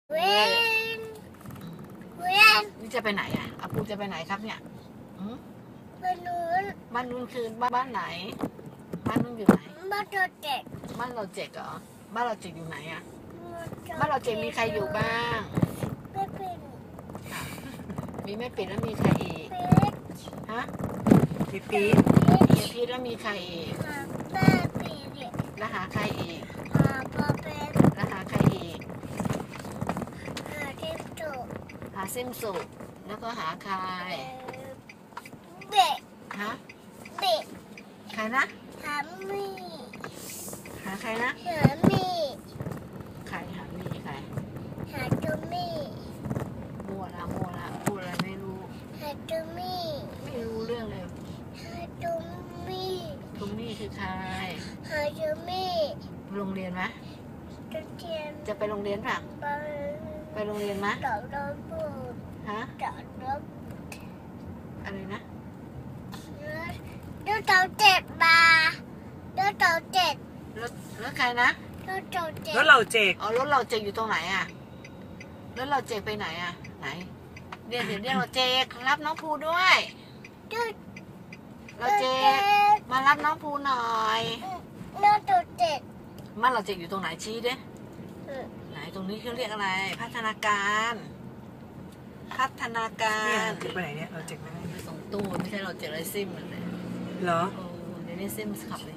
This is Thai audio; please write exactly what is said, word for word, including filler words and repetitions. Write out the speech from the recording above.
เวนเวนนี่จะไปไหนอ่ะอาปูจะไปไหนครับเนี่ยบ้านนู้นบ้านนู้นคือบ้านบ้านไหนบ้านนู้นอยู่ไหนบ้านเราเจ็ดบ้านเราเจ็กเหรอบ้านเราเจ็กอยู่ไหนอ่ะบ้านเราเจ็กมีใครอยู่บ้างไม่เป็นมีแม่ปิดแล้วมีใครอีกฮะพี่ปี๊ดมีพี่แล้วมีใครอีกแม่ปีเด็กแล้วหาใครอีกหาพ่อเป็นแล้วหาใครอีกหาเทพโตหาซิมสุแล้วก็หาใครเด็กฮะเด็กใครนะหามีหาใครนะหามีใครหามีใครหาตัวมีมัวละมัวละพูดอะไรไม่รู้หาตัวมีไม่รู้เรื่องเลยหาตัวมีตรงนี้คือใครหาตัวมีโรงเรียนไหมจะเทียนจะไปโรงเรียนป่ะไปไปโรงเรียนไหมต่อรถบูดฮะต่อรถอะไรนะรถเต่าเจ็ดบารถเต่าเจ็ดรถรถใครนะรถเต่าเจ็ดรถเราเจกอ๋อรถเราเจกอยู่ตรงไหนอ่ะรถเราเจกไปไหนอ่ะไหนเรียกเดี๋ยวเรียกเราเจกรับน้องภูด้วยเราเจกมารับน้องภูหน่อยรถเต่าเจ็ดมันเราเจกอยู่ตรงไหนชี้ดิไหนตรงนี้เขาเรียกอะไรพัฒนาการพัฒนาการเนี่ยไปไหนเนี่ยเราเจกไหมส่งตู้ไม่ใช่เราเจกไรซิมเลยเหรอเดี๋ยวนี้ซิมขับเลย